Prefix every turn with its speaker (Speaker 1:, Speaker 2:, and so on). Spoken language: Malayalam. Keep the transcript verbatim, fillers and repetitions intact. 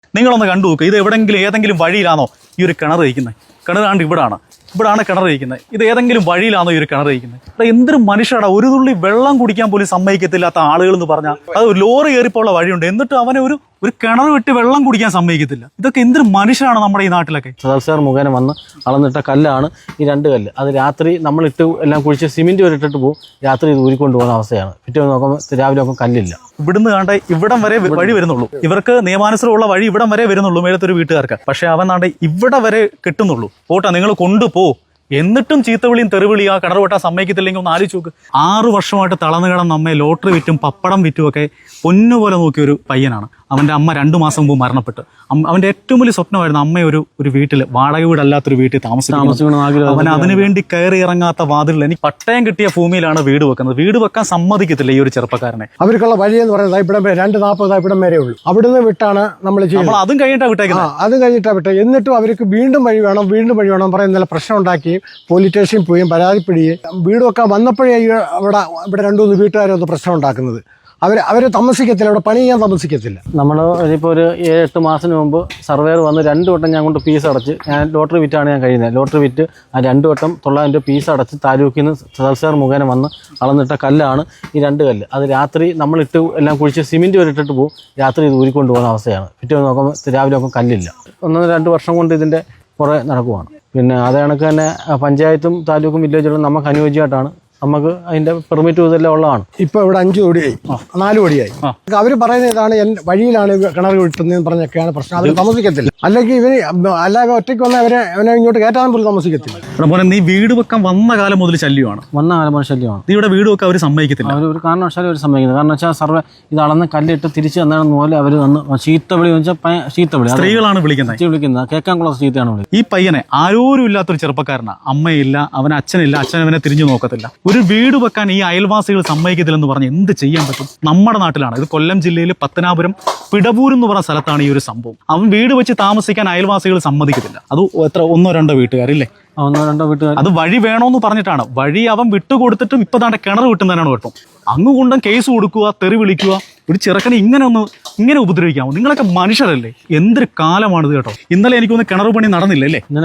Speaker 1: നിങ്ങളൊന്ന് കണ്ടു നോക്കുക. ഇത് എവിടെങ്കിലും ഏതെങ്കിലും വഴിയിലാണോ ഈ ഒരു കിണർ കഴിക്കുന്നത്? കിണറാണ്ട് ഇവിടാണ് ഇവിടാണ് കിണർ കഴിക്കുന്നത്. ഇത് ഏതെങ്കിലും വഴിയിലാണോ ഈ ഒരു കിണർ കഴിക്കുന്നത്? ഇവിടെ എന്തൊരു മനുഷ്യടാ, ഒരു തുള്ളി വെള്ളം കുടിക്കാൻ പോലും സമ്മതിക്കത്തില്ലാത്ത ആളുകൾ എന്ന് പറഞ്ഞാൽ അത് ലോറി കയറിപ്പോള്ള വഴിയുണ്ട്, എന്നിട്ട് അവനെ ഒരു ഒരു കിണർ വിട്ട് വെള്ളം കുടിക്കാൻ സമ്മതിക്കത്തില്ല. ഇതൊക്കെ എന്തൊരു മനുഷ്യനാണ് നമ്മുടെ ഈ നാട്ടിലൊക്കെ.
Speaker 2: സദാർ മുഖേന വന്ന് അളന്നിട്ട കല്ലാണ് ഈ രണ്ട് കല്ല്. അത് രാത്രി നമ്മളിട്ട് എല്ലാം കുഴിച്ച് സിമെന്റ് വരെ ഇട്ടിട്ട് പോകും, രാത്രി ഇത് ഊരിക്കൊണ്ട് പോകുന്ന അവസ്ഥയാണ്. പിറ്റേ നോക്കുമ്പോൾ രാവിലെ നോക്കുമ്പോൾ കല്ലില്ല.
Speaker 1: ഇവിടുന്ന് കാണ്ട ഇവിടം വരെ വഴി വരുന്നുള്ളൂ. ഇവർക്ക് നിയമാനുസൃതമുള്ള വഴി ഇവിടം വരെ വരുന്നുള്ളൂ മേലത്തൊരു വീട്ടുകാർക്ക്. പക്ഷെ അവൻ നാണ്ട ഇവിടെ വരെ കിട്ടുന്നുള്ളൂ. പോട്ടാ നിങ്ങൾ കൊണ്ടുപോ, എന്നിട്ടും ചീത്തവിളിയും തെറിവിളിയും ആ കിണർ വെട്ടാൻ സമ്മതിക്കത്തില്ലെങ്കിൽ ഒന്ന് ആലോചിച്ച് നോക്ക്. ആറു വർഷമായിട്ട് തളർന്നു കിടന്ന് നമ്മെ ലോട്ടറി വിറ്റും പപ്പടം വിറ്റും ഒക്കെ പൊന്നുപോലെ നോക്കിയ ഒരു പയ്യനാണ്. അവൻ്റെ അമ്മ രണ്ടു മാസം മുമ്പ് മരണപ്പെട്ടു. അവൻ്റെ ഏറ്റവും വലിയ സ്വപ്നമായിരുന്നു അമ്മ ഒരു ഒരു വീട്ടിൽ, വാടക വീടല്ലാത്തൊരു വീട്ടിൽ താമസിക്കണം. അവൻ അതിനുവേണ്ടി കയറി ഇറങ്ങാത്ത വാതിലിൽ എനിക്ക് പട്ടയം കിട്ടിയ ഭൂമിയിലാണ് വീട് വെക്കുന്നത്. വീട് വെക്കാൻ സമ്മതിക്കത്തില്ല ഈ ഒരു ചെറുപ്പക്കാരനെ.
Speaker 3: അവർക്കുള്ള വഴി എന്ന് പറയുന്നത് ഇവിടം വരെ രണ്ട് നാൽപ്പത് ഇവിടം വരെ ഉള്ളൂ. അവിടുന്ന് വിട്ടാണ് നമ്മൾ ചെയ്യുന്നത്.
Speaker 1: അതും കഴിഞ്ഞിട്ടാ വിട്ടേക്കുന്നത്.
Speaker 3: അതും കഴിഞ്ഞിട്ടാ വിട്ടത്. എന്നിട്ടും അവർക്ക് വീണ്ടും വഴി വേണം വീണ്ടും വഴി വേണം പറയുന്ന നല്ല പ്രശ്നം ഉണ്ടാക്കുകയും പോലീസ് സ്റ്റേഷനിൽ പോയും പരാതിപ്പെടുകയും വീട് വെക്കാൻ വന്നപ്പോഴേ അവിടെ ഇവിടെ രണ്ടു മൂന്ന് വീട്ടുകാരൊന്ന് പ്രശ്നം ഉണ്ടാക്കുന്നത്. അവർ അവർ താമസിക്കത്തില്ല, അവിടെ പണി ചെയ്യാൻ താമസിക്കത്തില്ല.
Speaker 2: നമ്മൾ ഇപ്പോൾ ഒരു ഏഴ് എട്ട് മാസത്തിന് മുമ്പ് സർവേർ വന്ന് രണ്ട് വട്ടം ഞാൻ കൊണ്ട് ഫീസ് അടച്ച്, ഞാൻ ലോട്ടറി വിറ്റാണ് ഞാൻ കഴിയുന്നത്. ലോട്ടറി വിറ്റ് ആ രണ്ട് വട്ടം തൊള്ളായിരം രൂപ ഫീസ് അടച്ച് താലൂക്കിൽ നിന്ന് സദാർ മുഖേന വന്ന് അളന്നിട്ട കല്ലാണ് ഈ രണ്ട് കല്ല്. അത് രാത്രി നമ്മളിട്ട് എല്ലാം കുഴിച്ച് സിമെന്റ് വരെ ഇട്ടിട്ട് പോകും, രാത്രി ഇത് ഊരിക്കൊണ്ട് പോകുന്ന അവസ്ഥയാണ്. പിറ്റേ നോക്കുമ്പോൾ രാവിലെ നോക്കുമ്പോൾ കല്ലില്ല. ഒന്നര രണ്ട് വർഷം കൊണ്ട് ഇതിൻ്റെ കുറേ നടക്കുവാണ്. പിന്നെ അതേ കണക്ക് തന്നെ പഞ്ചായത്തും താലൂക്കും വില്ലേജുകളും നമുക്ക് അനുയോജ്യമായിട്ടാണ്. നമുക്ക് അതിന്റെ പെർമിറ്റ് ഇതെല്ലാം ഉള്ളതാണ്.
Speaker 3: ഇപ്പൊ ഇവിടെ അഞ്ചു കോടിയായി, നാല് കോടിയായി. അവര് പറയുന്നത് ഇതാണ് വഴിയിലാണ് കിണർ കിട്ടുന്നതെന്ന് പറഞ്ഞൊക്കെയാണ് പ്രശ്നം. അവർ താമസിക്കത്തില്ല. അല്ലെങ്കിൽ ഇവര് അല്ലാതെ ഒറ്റയ്ക്ക് വന്ന അവരെ അവനെ ഇങ്ങോട്ട് കയറ്റാൻ പോലും താമസിക്കത്തില്ല.
Speaker 1: നീ വീട് വെക്കാൻ വന്ന കാലം മുതൽ ശല്യമാണ്.
Speaker 2: വന്ന കാലം മുതൽ ശല്യമാണ്.
Speaker 1: നീ ഇവിടെ വീട് വെക്കാൻ അവർ സമ്മതിക്കത്തില്ല.
Speaker 2: അവർ ഒരു കാരണവശാലും അവർ സമ്മതിക്കുന്നത്. കാരണം വെച്ചാൽ സർവേ ഇത് അളന്ന് കല്ലിട്ട് തിരിച്ച് തന്നാണെന്ന് പോലെ അവർ വന്ന് ചീത്തവിളി വെച്ചാൽ ചീത്തവിളി
Speaker 1: സ്ത്രീകളാണ് വിളിക്കുന്നത്.
Speaker 2: വിളിക്കുന്നത് കേൾക്കാൻ കൊള്ള ചീത്തയാണ് വിളിക്കുന്നത്.
Speaker 1: ഈ പയ്യനെ ആരോരും ഇല്ലാത്തൊരു ചെറുപ്പക്കാരനാണ്. അമ്മയില്ല, അവൻ അച്ഛനില്ല, അച്ഛൻ അവനെ തിരിഞ്ഞു നോക്കത്തില്ല. ഒരു വീട് വെക്കാൻ ഈ അയൽവാസികൾ സമ്മതിക്കത്തില്ലെന്ന് പറഞ്ഞ് എന്ത് ചെയ്യാൻ പറ്റും? നമ്മുടെ നാട്ടിലാണ് ഇത്. കൊല്ലം ജില്ലയിൽ പത്തനാപുരം പിടവൂർ എന്ന് പറഞ്ഞ സ്ഥലത്താണ് ഈ ഒരു സംഭവം. അവൻ വീട് വെച്ച് താമസിക്കാൻ അയൽവാസികൾ സമ്മതിക്കത്തില്ല. അത് എത്ര ഒന്നോ രണ്ടോ വീട്ടുകാരില്ലേ?
Speaker 2: ഒന്നോ രണ്ടോ വീട്ടുകാർ.
Speaker 1: അത് വഴി വേണോന്ന് പറഞ്ഞിട്ടാണ്. വഴി അവൻ വിട്ടുകൊടുത്തിട്ടും ഇപ്പൊ താണ്ടെ കിണർ വിട്ടുന്നതിനാണ് കുഴപ്പം. അങ്ങുകൊണ്ടും കേസ് കൊടുക്കുക, തെറി വിളിക്കുക. ഒരു ചെറുക്കനെ ഇങ്ങനെ ഒന്ന് ഇങ്ങനെ ഉപദ്രവിക്കാമോ? നിങ്ങളൊക്കെ മനുഷ്യരല്ലേ? എന്തൊരു കാലമാണിത് കേട്ടോ. ഇന്നലെ എനിക്കൊന്ന് കിണർ പണി നടന്നില്ല അല്ലേ?